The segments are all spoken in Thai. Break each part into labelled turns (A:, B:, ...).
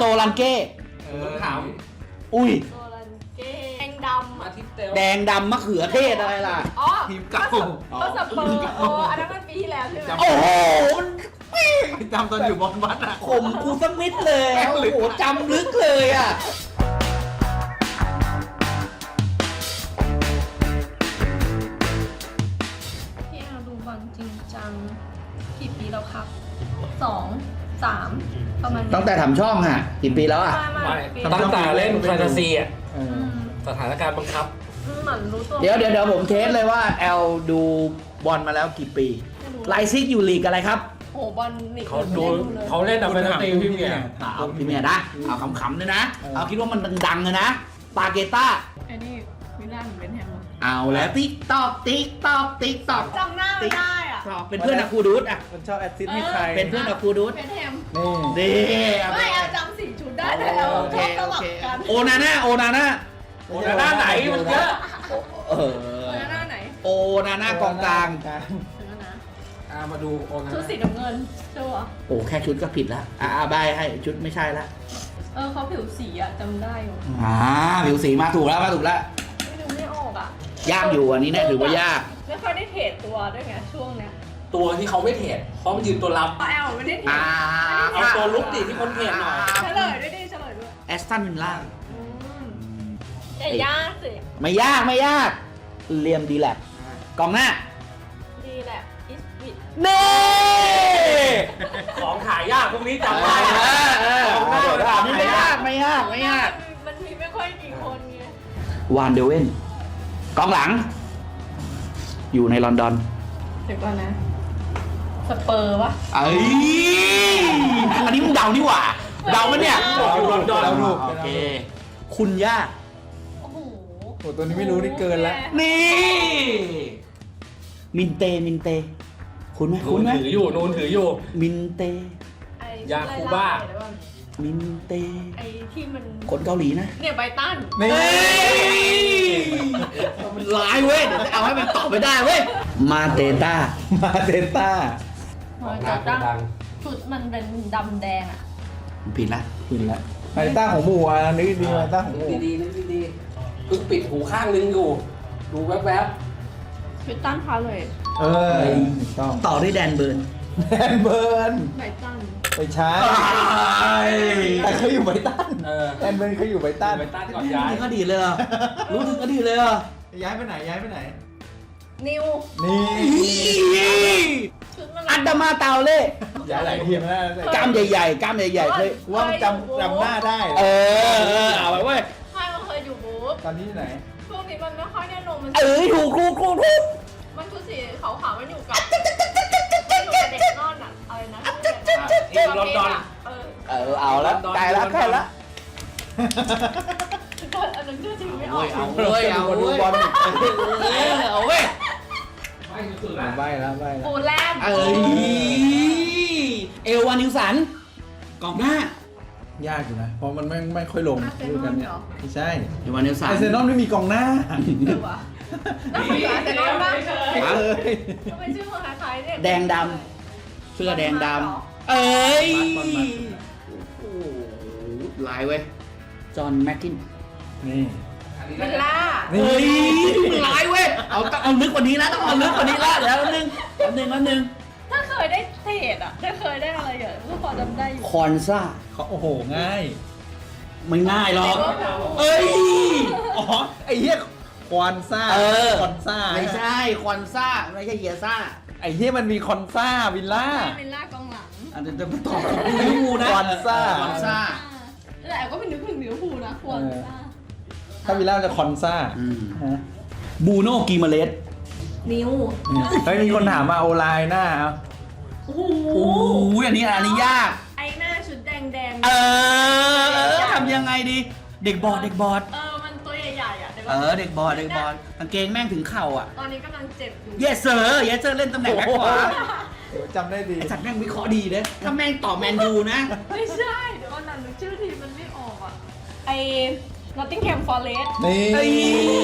A: ลันเก้
B: ถาม
A: อุ้ย
C: โซลันเก้แดงดำ
B: อาทิตย์เตล
A: แดงดำมะเขือเทศอะไรล่ะ
C: อ๋อ
B: ทีมเก่า
C: ก็สเปอร์โอ้อันนั้นมันปีที่แล้วใช่ไหม
A: โอ้โหมัน
B: จำตอนอยู่บอลวัดอ่ะ
A: ข่มกูสักนิดเลยอะโอ้โหจำลึกเลยอ่ะ
C: พี่แอลดูบอลจริงจังกี่ปีแล้วครับ2 3ประมาณนี้
A: ตั้งแต่ทำช่องอ่ะกี่ปีแล้วอ่ะ
C: ไม่
B: ตั้งแต่เล่นแฟนตาซีอ่ะ
C: อืม
B: สถานการณ์บังคับ
C: เหมือนรู้ตัว
A: เดี๋ยวผมเทสเลยว่าแอลดูบอลมาแล้วกี่ปีไลซิกอยู่ลีกอะไรครับ
C: โอ้บอลนี่
B: เขาดู
C: ไม่เลย
B: เขาเล่นดับเบิลตีพี่เมีย
A: เอาพี่เมียนะเอาขำๆเลยนะเอาคิดว่ามันดังๆเลยนะปาเกต้า
C: ไอ้นี่วิลล่าเป็นแฮม
A: เอาแล้วติ๊กตอกติ๊กตอกติ๊กตอก
C: จำหน้าไม่ได้อ่ะ
A: เป็นเพื่อนอะคูดูดอ่ะ
D: มันชอบแอดซิสต์ให้ใคร
A: เป็นเพื่อนอะคูดูด
C: เป็นแฮม
D: นี่
A: ดี
C: ไม่เอาจำ4 ชุดได้แล้ว
A: โอเค
C: ชอบส
A: โอ
C: ลับ
A: เค
C: กัน
A: โอนาน่า
B: โอ้หน้าไหนมันเยอะ
A: เออ
C: หน้าไหน
A: โอนาน่ากองกลาง
C: ถึงแล้วนะ
B: มาดูโอนะ
C: ชุดสีน้ำเงินใช่ปะ
A: โอ้แค่ชุดก็ผิดแล้วใบให้ชุดไม่ใช่ละ
C: เขาผิวสีอ่ะจำได้อยู่
A: ผิวสีมาถูกแล้วมาถูกแล้ว
C: ไม่ดูไม่ออกอ่ะ
A: ยากอยู่อันนี้เนี่ยถือว่ายาก
C: ไม่ค่อยได้เทรดตัวด้วยไงช่วงเนี้ย
B: ตัวที่เขาไม่เทรดเพราะมันยืนตัวรับ
C: แอลไม่ได้เทรด
B: เอาตัวลุกดิที่คนเทรดหน่อย
C: เฉลยด้วยดิเฉลยด้วย
A: แอสตันวิลล่า
C: อย่ายากสิ
A: ไม่ยากไม่ยากเลียมดีแลบกองหน้า
C: ดีแหละอิสบิด
A: เน่
B: ของขายยากพวกนี้จำได้
A: นี่ไม่ยากไม่ยากไม่ยาก
C: มันมีไม่ค่อยกี่คนไง
A: วานเดเวนกองหลัง อยู่ในลอนดอน
C: เดี๋ยวก่อนนะสเปอร์วะ
A: เอ้ยอันนี้มึงเดานี่หว่าเดามันเนี่ย
D: เราถูก
A: โอเค คุณย่า
C: โอ้โห
D: โอ้ตัวนี้ไม่รู้นี่เกินแล้ว
A: นี่ มินเตคุณไหม
B: นู
A: คุณ
B: น
A: ไหม
B: ถืออยู่นูนถืออยู่
A: มินเต
C: ไอ้
B: ยาคูบ้า
C: เดี๋ยวก่อน
A: มินเต
C: ไอ้ที่มัน
A: คนเกาหลีนะ
C: เนี่ยไบตัน
D: นี่
A: เฮ้ยมันร้ายเว้ยเดี๋ยวจะเอาให้มันตอบไม่ได้เว้ยมาเตต้า
D: มาเดนต้า
C: มาจากดังชุดมันเป็นดำแดงอ่ะ
A: ผิดละ
D: ผิดละมาเดนต้าของหมู่อ่ะนึกดีมาเดนต้าของหมู่
B: ดีๆนึกดีๆเพิ่งปิดหูข้างนึงอยู่ ดูแวบ
C: ชุดตั้นพาเลย
D: เออถูกต้อง
A: ต่อด้วยแดนเบิร์น
D: แดนเบิร์น
C: ไบตัน
D: ไปช้าแต่เขาอยู่ไบตัน
B: ๆ
D: แดนเบิร์นเขาอยู่ไบตัน
B: ไปต้านก่อนย้าย
A: ถึงอดีตเลยเหรอรู้ถึงอดีตเลยเหรอ
D: ย้ายไปไหนย้ายไปไหน
C: นิว
D: นี่
C: ชุดมัน
A: อันดามาเตาเล่
D: ย้ายหลายทีมแล้ว
A: กล้ามใหญ่ๆกล้ามใหญ่ๆเคย
D: ว่ามันจำหน้าได้
A: เอาไปเว้ย
C: ใช่มันเคยอยู่บู๊
D: ตอนนี้อยู่ไหน
C: ช่วงนี้มันไม่ค่อยแน่นอนมัน
A: ถูก
C: มันชุดสีขาวๆมันอยู่กับเด็กนอนอ่ะอะไรนะ
B: ที่ลอนดอน
A: เอาละใกล้ละ
C: อันนั้นชื่อจริงไม่ออก
A: เอาเว้ย
D: ดูบอล
A: เอาเว้ย
B: ไม่สุดๆ
D: ใบ
B: ละ
D: แล้วใบแล้ว
C: ปูแลนด์
A: เอลวานิวสันกองหน้าย
D: ากอยู่นะ เพราะมันไม่ค่อยลงดูกันเนี่ยไม่ใช่
A: เอลวานิวสัน
D: ไอเซนอลไม่มีกองหน้า
C: เออวะน่าสนใจแต่น้อยมาก
D: ไม่เคย
C: ทำไมชื่อมันคล้ายๆเนี่ย
A: แดงดำเสื้อแดงดำเอ้ยโอ้ลายเว้ยจอห์นแม็กกิน
D: นี่
C: วิลล่า
A: เฮ้ยลายเว้ยเอาลึกกว่านี้แล้วต้องเอาลึกกว่านี้แล้วเดี๋ยวนึง
C: ถ้าเคยได้เทรดอ่ะถ้าเคยได้อะไรอย่างก็พอจำได้อยู่
A: คอนซ่า
D: เขาโอ้โหง่าย
A: ไม่ง่ายหรอกเอ้ย
D: อ๋อไอ้เหี้ยคอนซ่าคอนซ่า
A: ไม่ใช่คอนซ่าไม่ใช่เฮียซ่า
D: ไอ้เหี้ยมันมีคอนซ่าวิลล่า
C: วิลล่ากองหลัง
A: อันจะมาตอบลิเวอร์พูลนะ
D: คอนซ่า
A: คอนซ่า
C: แต่ก็เป็นนึกถึงลิเวอร์พูลนะควรซ่า
D: ถ้าวิลล่าจะคอนซ่า ฮะ
A: บูโน่กีมาเลส
C: นิว
D: เฮ้ยมีคนถามมาโอไลน์หน้าเอา
C: โอ้โห
A: โอ้ยอันนี้ยาก
C: ไอ้หน้าชุดแดง
A: ทำยังไงดี เด็กบอด
C: มันตัวใหญ่ๆอ่ะ
A: เด็กบอดกางเกงแม่งถึงเข่าอ่ะ
C: ตอนนี้กำลังเจ็บอยู่
A: เยสเซอร์เล่นตำแหน่งแบ็คขวา
D: เดี๋ยวจำได้ดี
A: ไอสัตว์แม่งวิเคราะห์ดีเลยถ้าแม่งต่อแมนยูนะ
C: ไม่ใช่เดี๋ยวก่อนนะนึกชื่อทีมมันไม่ออกอ่ะไอ้ Nottingham Forest
D: นี่
A: เฮ้ย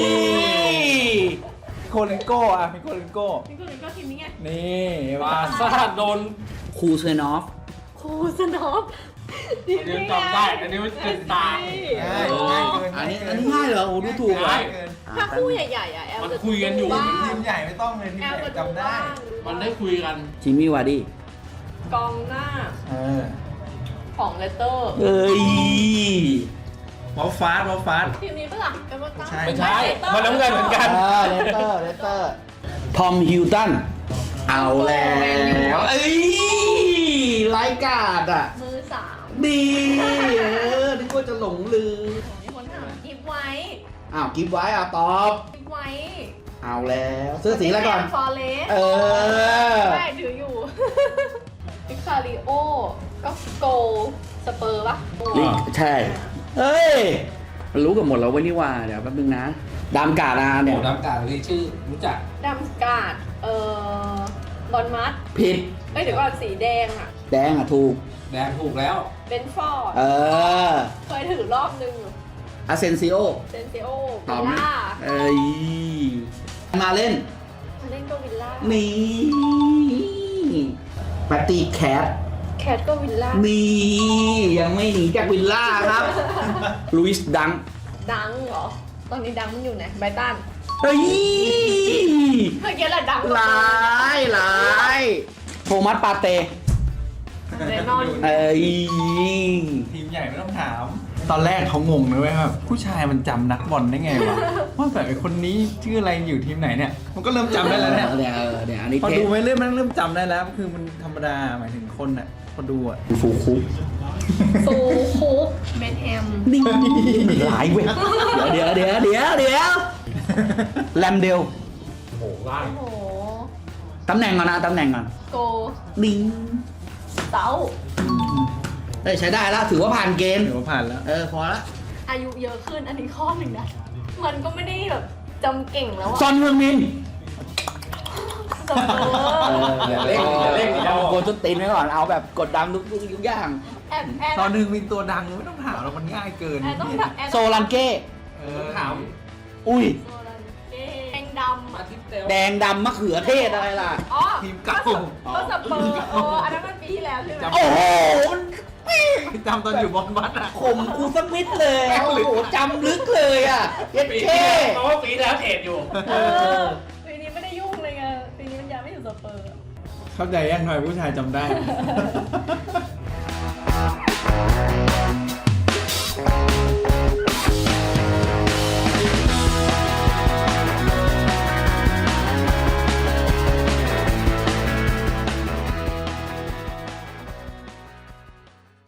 D: โคเลนโก้อะมีโคเลนโก้
C: นี่ก็เลยก็ทีมนี้ไง
D: นี่
B: บาซ่าโดน
A: คูเซนอฟ
C: คูสนอฟทีม
B: อันนี้
C: นี้
B: จำได้อันนี้มันเป็นตา
D: ง่ายง่ายเกิน
A: อันนี้ง่ายเหรอโอ้ดูถูก
B: ง่า
A: อ่ะ
B: ย
C: ถ้าคู่ใหญ่ๆอ่ะแอล
B: มัน
C: จะ
B: คุยกันอยู่
C: บ้าง
D: ทีมใหญ่ไม่ต้องเลยทีม
C: แอ
D: ให
C: ล
D: ญ่
C: จะดู
D: จำได้
C: บ้าง
B: มันได้คุยกัน
A: จิมมี่วาร์ดี้
C: กองหน้า
D: เออ
C: ของเลสเตอร์
A: เอ้ยว
D: อลฟาสวอลฟาส
C: ทีมนี้ปะล่ะเอเวอร์ตัน
D: ใช่
B: ไม่ใช่มันน้ำเงินเหมือนกัน
A: เลสเตอร์ทอมฮิลตันเอาแล้วเอ้ยไร้กาดอ่ะ
C: มือสาม
A: ดีนึกว่าจะหลงลืม
C: มีคนถามกิฟไว้
A: อ้าวกิฟไว้อ่ะตอบ
C: กิฟไว้
A: เอาแล้วเสื้อสีอะไรก่อน
C: ฟอร์เรส
A: เออ
C: ได้ถืออยู่ พิคาริโอ ก็โกลสเปอร์ปะ
A: ลิกใช่ เฮ้ย มันรู้กันหมดแล้วเว้ยนี่ว่าเดี๋ยวแป๊บนึงนะดามกาดา
B: โอ้
A: เนี่ย
B: น้ำกาดเลยชื่อรู้จัก
C: ดัมสการ์ดบอลมัด
A: ผิด
C: เอ้ยเดี๋ยวก่อนสีแดงอ่ะ
A: แดงอ่ะถูก
B: แดงถูกแล้ว
C: เบนฟอร์ด
A: เออ
C: เคยถือรอบนึง
A: อาเซนซิโอ
C: เซนเซโอ
A: ตอบ
C: วิ
A: ไหม
C: ลล่า
A: เอ้ย มาเล่น
C: มาเล่นก็วิลล่า
A: นี่ปาร์ตี้แคท
C: แคทก็วิลล่า
A: นี่ ยังไม่หนีจากวิลล่าครับ ลุยส์ดัง
C: ดังเหรอ ตอนนี้ดังมันอยู่ไหนไบรตัน
A: เฮ้ย
C: เมื่อกี้แหละดัง
A: หลายหลายโทมัสปาเต้
C: แน่นอน
A: เอ้ย
D: ทีมใหญ่ไม่ต้องถาม ตอนแรกเขางงเลยเว้ยแบบผู้ชายมันจำนักบอลได้ไงวะ ว่าแบบไอ้คนนี้ชื่ออะไรอยู่ทีมไหนเนี่ย มันก็เริ่มจำได้แล้วเนี่ย
A: เนี่ยอันนี้
D: พอ
A: เท
D: ดูไปเรื่อยมันเริ่มจำได้แล้ว คือมันธรรมดาหมายถึงคนอ่ะพอดูอ่ะ
A: ฟูคุก
C: ซูคุกเบนแฮม
A: นี่หลายเว้ยเดี๋ยวแลมเดล
B: โอ้โหล่าง
C: โอ้โห
A: ตำแหน่งก่อนนะตำแหน่งก่อน
C: โก
A: ลิง
C: เต้า
A: เอ้ยใช้ได้แล้วถือว่าผ่านเกณฑ์
D: ถือว่าผ่านแล้ว
A: พอละ
C: อายุเยอะขึ้นอันนี้ข้อหนึ่งนะ มันก็ไม่ได้แบบจำเก่งแล้ว
A: ซ
C: อะ
A: อนเมืองมิน
C: สเปอร์
B: อย่าเล่นอย่าเล่นอย่า
A: เอา
B: เล่น
A: โกนต้นตีนไว้ก่อนเอาแบบกดดันทุกอย่าง
C: แอบแอบ
D: ตอนหนึ่งมีตัวดังไม่ต้องถามแล้วมันง่ายเกิน
C: แอบต้องแอบ
A: โซลันเก้
D: เออ
B: ถาม
A: อุ้ย
C: โซลันเก้แดงดำ
B: อา
C: อะ
B: ทิตย์เดียว
A: แดงดำมะเขือเทศอะไรล่ะ
C: อ๋อ
D: ทีมเก่า
C: ก็สเปอร์อ๋ออันนั้นมันปีที่แล้วใช่ไหม
A: โอ้โหมัน
D: จำตอนอยู่บอลวัดอ่ะ
A: ข่มกูสักนิดเลยโอ้โหจำลึกเลยอ่ะเย็ด
B: ปีที่
A: เท่
B: แล้วเพราะว่าปีที่แล้วเทรดอยู่
C: เออปีนี้ไม่ได้ยุ่งเลยไงปีนี้มันยังไม่อยู่สเปอร์
D: เข้าใจยังทำไมผู้ชายจำได้